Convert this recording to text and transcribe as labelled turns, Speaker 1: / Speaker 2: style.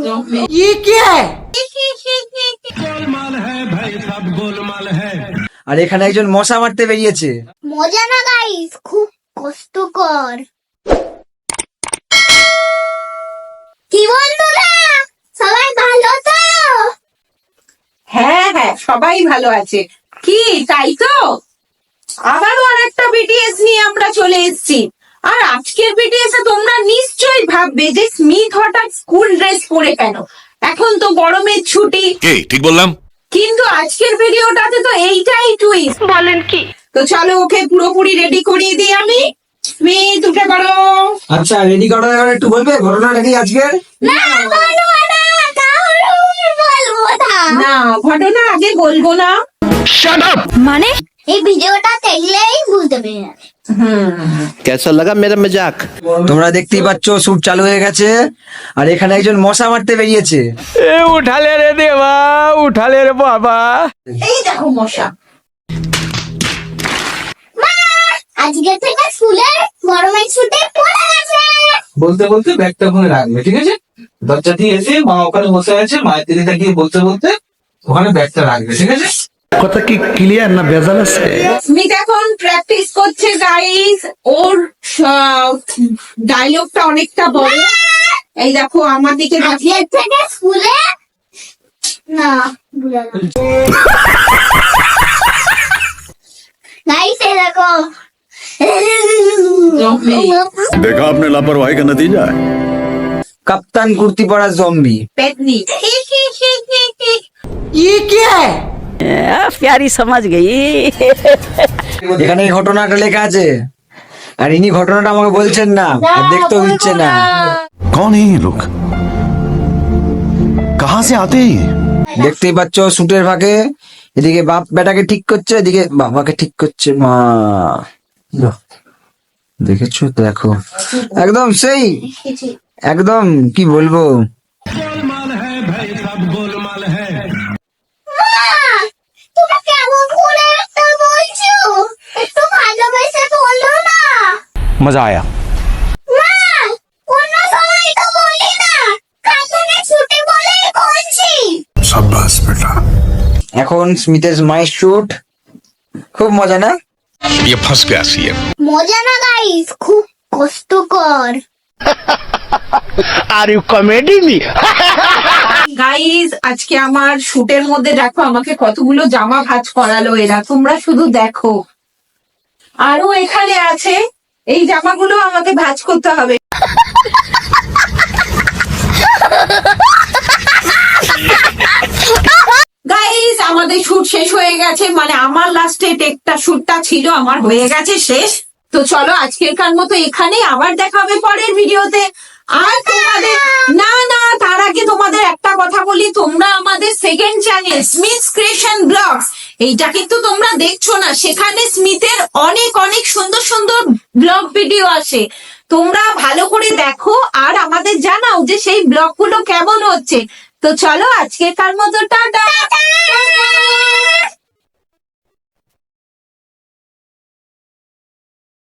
Speaker 1: ये क्या है?
Speaker 2: गोलमाल है भाई, सब गोलमाल है।
Speaker 1: আর এখানে একজন মশা মারতে বেরিয়েছে।
Speaker 3: মজা না গাইস, খুব কষ্টকর। কি বন্ধুরা, সবাই ভালো তো?
Speaker 4: হ্যাঁ হ্যাঁ, সবাই ভালো আছে। কি তাই তো? আবারও আরেকটা বিটিএস নিয়ে আমরা চলে এসেছি। আর আজকের বিটিএস এ তোমরা নিশ্চয়ই ভাববে যে স্মিথ হঠাৎ স্কুল ড্রেস পরে কেন, এখন তো গরমের ছুটি।
Speaker 5: কি ঠিক বললাম?
Speaker 4: কিন্তু আজকের ভিডিওটাতে তো এইটাই টুইস্ট। বলেন কি? তো চলো ওকে পুরোপুরি রেডি করিয়ে দিই আমি। স্মিথ উঠে পড়ো।
Speaker 1: আচ্ছা, রেডি করার আগে একটু বলবে ঘটনাটা কি আজকের?
Speaker 3: না বলবো না, তাহলে বলবো না।
Speaker 4: না, ঘটনা আগে বলবো না।
Speaker 3: মানে এই ভিডিওটা দেখলেই বুঝতে পেরে যাবে।
Speaker 6: कैसा लगा मेरा मजाक?
Speaker 1: তোমরা দেখতেই পাচ্ছ শুট চালু হয়ে গেছে। আর এখানে একজন মশা মারতে বেরিয়েছে।
Speaker 2: उठाले रे देवा, उठाले रे बाबा।
Speaker 4: এই দেখো মশা।
Speaker 3: মা, আজকে থেকে স্কুলে গরমের ছুটি পড়ে গেছে।
Speaker 7: বলতে বলতে ব্যাগটা ওখানে রাখবে, ঠিক আছে? দরজা দিয়ে এসে মা ওখানে বসে আছে, মায়ের দিকে তাকিয়ে বলতে বলতে ওখানে ব্যাগটা রাখবে, ঠিক আছে?
Speaker 2: কথা কি ক্লিয়ার না ভেজাল আছে?
Speaker 4: স্মিথ এখন প্র্যাকটিস করছে গাইস। ওর ডায়লগটা অনেকটা বড়। এই দেখো আমার দিকে তাকিয়ে।
Speaker 3: আজকে থেকে স্কুলে না বুঝা গেল। গাইস এই দেখো,
Speaker 5: देखा आपने लापरवाही का नतीजा है।
Speaker 1: কাপ্তান কুর্তি পরা জম্বি।
Speaker 4: পেতনি।
Speaker 1: ये क्या है?
Speaker 8: प्यारी समझ गई।
Speaker 1: এখানে এই ঘটনাটা লেখা আছে। আর ইনি ঘটনাটা আমাকে বলছেন না, আর দেখতেও দিচ্ছে না।
Speaker 5: कौन है ये लोग? कहाँ से आते हैं ये?
Speaker 1: দেখতেই পাচ্ছ শুটের ফাঁকে এদিকে বাপ বেটাকে ঠিক করছে, এদিকে বাবাকে ঠিক করছে মা। দেখেছো? দেখো একদম সেই, একদম কি বলবো।
Speaker 2: गोलमाल है भाई, सब गोलमाल है।
Speaker 3: তুমি কেমন করে একটা বলছো? একটু ভালোবেসে বলো না।
Speaker 2: मजा आया।
Speaker 3: মা, অন্য সময় তো বলি না, কার্টুনে ছুটি বলেই বলছি।
Speaker 5: शाबाश बेटा।
Speaker 1: এখন স্মিথের মায়ের শুট, খুব মজা না?
Speaker 5: ये फंस गया सीएम।
Speaker 3: মজা না গাইস, খুব কষ্টকর।
Speaker 2: Are you comedy me?
Speaker 4: Guys আজকে আমার শুটের মধ্যে দেখো আমাকে কতগুলো জামা ভাঁজ করালো এরা, তোমরা শুধু দেখো। আরো এখানে আছে, এই জামাগুলো আমাকে ভাঁজ করতে হবে। গাইস আমাদের শুট শেষ হয়ে গেছে, মানে আমার লাস্টে টেকটা শুটটা ছিল আমার হয়ে গেছে শেষ। তো চলো আজকেরকার মতো এখানেই, আবার দেখা হবে পরের ভিডিওতে। আর তোমাদের না না, তার আগে তোমাদের একটা কথা বলি, তোমরা আমাদের second channel Smith creation blogs, এইটা কিন্তু তোমরা দেখছো না, সেখানে স্মিথের অনেক অনেক সুন্দর সুন্দর ব্লগ ভিডিও আসে। তোমরা ভালো করে দেখো আর আমাদের জানাও যে সেই ব্লগগুলো কেমন হচ্ছে। তো চলো আজকেরকার মতো টাটা।